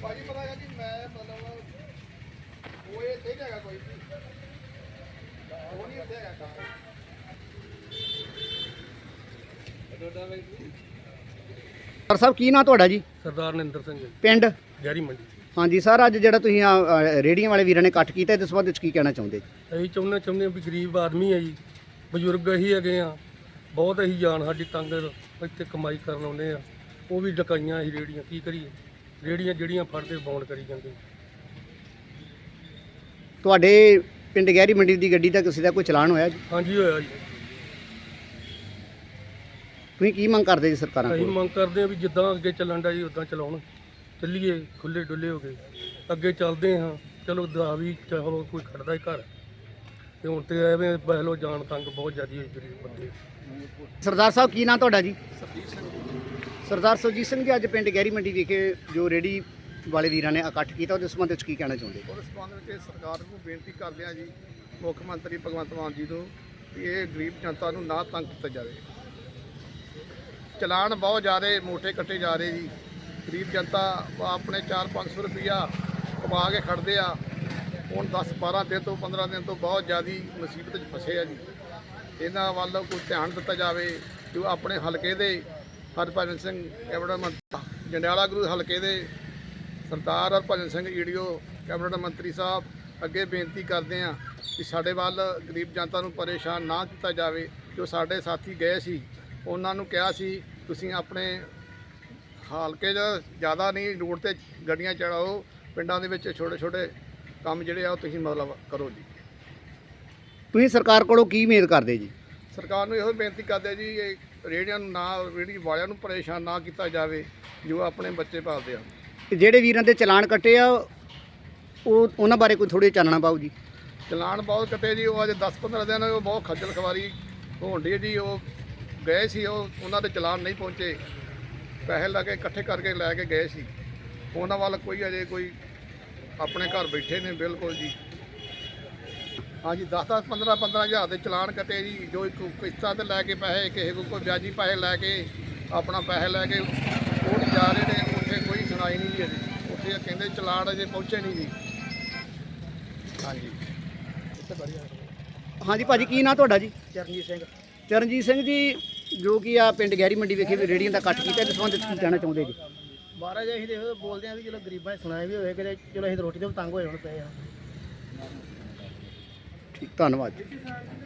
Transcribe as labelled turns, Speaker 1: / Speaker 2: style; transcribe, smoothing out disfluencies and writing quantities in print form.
Speaker 1: ਭਾਜੀ ਪਤਾ ਹੈ ਕਿ ਮੈਂ ਮਤਲਬ ਉਹ ਇਹ ਤੇ ਹੈਗਾ ਕੋਈ ਉਹ ਨਹੀਂ ਉੱਥੇ ਹੈਗਾ ਕੰਮ
Speaker 2: ਸਰ ਸਾਹਿਬ ਕੀ ਨਾਂ ਤੁਹਾਡਾ ਜੀ?
Speaker 3: ਸਰਦਾਰ ਨਿੰਦਰ ਸਿੰਘ ਜੀ,
Speaker 2: ਪਿੰਡ
Speaker 3: ਗਹਿਰੀ ਮੰਡੀ।
Speaker 2: ਹਾਂਜੀ ਸਰ, ਅੱਜ ਜਿਹੜਾ ਤੁਸੀਂ ਰੇਹੜੀਆਂ ਵਾਲੇ ਵੀਰਾਂ ਨੇ ਇਕੱਠ ਕੀਤਾ ਇਹਦੇ ਸੰਬੰਧ ਵਿੱਚ ਕੀ ਕਹਿਣਾ ਚਾਹੁੰਦੇ ਜੀ?
Speaker 3: ਅਸੀਂ ਚਾਹੁੰਦੇ ਵੀ ਗਰੀਬ ਆਦਮੀ ਹੈ ਜੀ, ਬਜ਼ੁਰਗ ਅਸੀਂ ਹੈਗੇ ਆ, ਬਹੁਤ ਅਸੀਂ ਜਾਨ ਸਾਡੀ ਤੰਗ, ਇੱਥੇ ਕਮਾਈ ਕਰਨ ਆਉਂਦੇ ਆ, ਉਹ ਵੀ ਡਕਾਈਆਂ ਅਸੀਂ ਰੇਹੜੀਆਂ, ਕੀ ਕਰੀਏ? ਰੇਹੜੀਆਂ ਜਿਹੜੀਆਂ ਫੜਦੇ ਬੌਂਡ ਕਰੀ ਜਾਂਦੇ।
Speaker 2: ਤੁਹਾਡੇ ਪਿੰਡ ਗਹਿਰੀ ਮੰਡੀ ਦੀ ਗੱਡੀ ਦਾ ਕਿਸੇ ਦਾ ਕੋਈ ਚਲਾਨ ਹੋਇਆ ਜੀ?
Speaker 3: ਹਾਂਜੀ ਹੋਇਆ ਜੀ।
Speaker 2: ਤੁਸੀਂ ਕੀ ਮੰਗ ਕਰਦੇ ਜੀ ਸਰਕਾਰਾਂ
Speaker 3: ਅਸੀਂ
Speaker 2: ਕੋਲ?
Speaker 3: ਮੰਗ ਕਰਦੇ ਆ ਵੀ ਜਿੱਦਾਂ ਅੱਗੇ ਚੱਲਣ ਦਾ ਜੀ ਉੱਦਾਂ ਚਲਾਉਣ, ਚੱਲੀਏ ਖੁੱਲੇ ਡੁੱਲੇ ਹੋ ਗਏ, ਅੱਗੇ ਚੱਲਦੇ ਹਾਂ। ਚਲੋ ਦਾ ਵੀ ਚਾਹੋ ਕੋਈ ਖੜਦਾ ਹੀ ਘਰ, ਤੇ ਹੁਣ ਤੇ ਐਵੇਂ ਬਹਿਲੋ ਜਾਨ ਤੰਗ ਬਹੁਤ ਜ਼ਿਆਦਾ ਹੋਈ ਗਰੀਬ ਬੰਦੇ।
Speaker 2: ਸਰਦਾਰ ਸਾਹਿਬ ਕੀ ਨਾਂ ਤੁਹਾਡਾ ਜੀ? ਸਰਦਾਰ ਸੁਰਜੀਤ ਸਿੰਘ ਜੀ, ਅੱਜ ਪਿੰਡ ਗਹਿਰੀ ਮੰਡੀ ਵਿਖੇ ਜੋ ਰੇਹੜੀ ਵਾਲੇ ਵੀਰਾਂ ਨੇ ਇਕੱਠ ਕੀਤਾ ਉਹਦੇ ਸੰਬੰਧ ਵਿੱਚ ਕੀ ਕਹਿਣਾ ਚਾਹੁੰਦੇ?
Speaker 1: ਉਸ ਸੰਬੰਧ ਵਿੱਚ ਸਰਕਾਰ ਨੂੰ ਬੇਨਤੀ ਕਰਦੇ ਹਾਂ ਜੀ, ਮੁੱਖ ਮੰਤਰੀ ਭਗਵੰਤ ਮਾਨ ਜੀ ਨੂੰ, ਕਿ ਇਹ ਗਰੀਬ ਜਨਤਾ ਨੂੰ ਨਾ ਤੰਗ ਕੀਤਾ ਜਾਵੇ। ਚਲਾਨ ਬਹੁਤ ਜ਼ਿਆਦਾ ਮੋਟੇ ਕੱਟੇ ਜਾ ਰਹੇ ਜੀ। ਗਰੀਬ ਜਨਤਾ ਆਪਣੇ 400-500 ਰੁਪਈਆ ਕਮਾ ਕੇ ਖੜਦੇ ਆ, ਹੁਣ 10-12 ਦਿਨ ਤੋਂ 15 ਦਿਨ ਤੋਂ ਬਹੁਤ ਜ਼ਿਆਦਾ ਮੁਸੀਬਤ 'ਚ ਫਸੇ ਆ ਜੀ। ਇਹਨਾਂ ਵੱਲ ਕੋਈ ਧਿਆਨ ਦਿੱਤਾ ਜਾਵੇ। ਜੋ ਆਪਣੇ ਹਲਕੇ ਦੇ ਹਰਭਜਨ ਸਿੰਘ ਕੈਬਨਿਟ ਮੰਤਰੀ, ਜੰਡਿਆਲਾ ਗੁਰੂ ਹਲਕੇ ਦੇ ਸਰਦਾਰ ਹਰਭਜਨ ਸਿੰਘ ਈਡੀਓ ਕੈਬਨਿਟ ਮੰਤਰੀ ਸਾਹਿਬ ਅੱਗੇ ਬੇਨਤੀ ਕਰਦੇ ਆ ਕਿ ਸਾਡੇ ਵੱਲ ਗਰੀਬ ਜਨਤਾ ਨੂੰ ਪਰੇਸ਼ਾਨ ਨਾ ਕੀਤਾ ਜਾਵੇ। ਜੋ ਸਾਡੇ ਸਾਥੀ ਗਏ ਸੀ ਉਹਨਾਂ ਨੂੰ ਕਿਹਾ ਸੀ ਤੁਸੀਂ ਆਪਣੇ ਹਲਕੇ 'ਚ ਜ਼ਿਆਦਾ ਨਹੀਂ ਰੋਡ ਤੇ ਗੱਡੀਆਂ ਚੜਾਓ, ਪਿੰਡਾਂ ਦੇ ਵਿੱਚ ਛੋਟੇ ਛੋਟੇ ਕੰਮ ਜਿਹੜੇ ਆ ਉਹ ਤੁਸੀਂ ਮਤਲਬ ਕਰੋ ਜੀ।
Speaker 2: ਤੁਸੀਂ ਸਰਕਾਰ ਕੋਲੋਂ ਕੀ ਉਮੀਦ ਕਰਦੇ ਜੀ?
Speaker 1: ਸਰਕਾਰ ਨੂੰ ਇਹੋ ਬੇਨਤੀ ਕਰਦੇ ਜੀ, ਇਹ ਰੇਹੜੀਆਂ ਨੂੰ ਨਾ, ਰੇਹੜੀ ਵਾਲਿਆਂ ਨੂੰ ਪਰੇਸ਼ਾਨ ਨਾ ਕੀਤਾ ਜਾਵੇ ਜੋ ਆਪਣੇ ਬੱਚੇ ਪਾਲਦੇ ਆ।
Speaker 2: ਤੇ ਜਿਹੜੇ ਵੀਰਾਂ ਦੇ ਚਲਾਨ ਕੱਟੇ ਆ ਉਹਨਾਂ ਬਾਰੇ ਕੋਈ ਥੋੜ੍ਹੀ ਚਾਨਣਾ ਪਾਓ ਜੀ।
Speaker 1: ਚਲਾਨ ਬਹੁਤ ਕੱਟੇ ਜੀ, ਉਹ ਅੱਜ 10-15 ਦਿਨ ਉਹ ਬਹੁਤ ਖੱਜਲ ਖਵਾਰੀ ਹੋਣ ਡਈ ਜੀ। ਉਹ ਗਏ ਸੀ, ਉਹਨਾਂ ਦੇ ਚਲਾਨ ਨਹੀਂ ਪਹੁੰਚੇ, ਪੈਸੇ ਲਾ ਕੇ ਇਕੱਠੇ ਕਰਕੇ ਲੈ ਕੇ ਗਏ ਸੀ। ਉਹਨਾਂ ਵੱਲ ਕੋਈ ਅਜੇ ਕੋਈ ਆਪਣੇ ਘਰ ਬੈਠੇ ਨੇ ਬਿਲਕੁਲ ਜੀ। ਹਾਂਜੀ 10-10 15-15 ਹਜ਼ਾਰ ਦੇ ਚਲਾਨ ਕੱਟੇ ਜੀ। ਜੋ ਇੱਕ ਕਿਸ਼ਤਾਂ ਤੇ ਲੈ ਕੇ ਪੈਸੇ, ਕਿਸੇ ਕੋਲ ਕੋਈ ਵਿਆਜੀ ਪੈਸੇ ਲੈ ਕੇ ਆਪਣਾ ਪੈਸੇ ਲੈ ਕੇ ਉਹ ਨਹੀਂ ਜਾ ਰਹੇ ਨੇ। ਉੱਥੇ ਕੋਈ ਸੁਣਾਈ ਨਹੀਂ ਜੀ ਅਜੇ, ਉੱਥੇ ਕਹਿੰਦੇ ਚਲਾਨ ਅਜੇ ਪਹੁੰਚੇ ਨਹੀਂ ਜੀ। ਹਾਂਜੀ
Speaker 2: ਹਾਂਜੀ ਭਾਜੀ ਕੀ ਨਾਂ ਤੁਹਾਡਾ ਜੀ?
Speaker 1: ਚਰਨਜੀਤ ਸਿੰਘ।
Speaker 2: ਚਰਨਜੀਤ ਸਿੰਘ ਜੀ, ਜੋ ਕਿ ਆ ਪਿੰਡ ਗਹਿਰੀ ਮੰਡੀ ਵਿਖੇ ਰੇਹੜੀਆਂ ਦਾ ਇਕੱਠ ਕੀਤਾ ਇਹਦੇ ਸੰਬੰਧ ਵਿੱਚ ਕੀ ਕਹਿਣਾ ਚਾਹੁੰਦੇ ਜੀ?
Speaker 4: ਮਹਾਰਾਜ ਅਸੀਂ ਦੇਖੋ ਬੋਲਦੇ ਆ ਵੀ ਚਲੋ ਗਰੀਬਾਂ ਨੇ ਸੁਣਾਇਆ ਵੀ ਹੋਵੇ ਕਿ ਚਲੋ ਅਸੀਂ ਰੋਟੀ ਤੋਂ ਤੰਗ ਹੋਏ ਹੁਣ ਪਏ ਆ।
Speaker 2: ਠੀਕ, ਧੰਨਵਾਦ ਜੀ।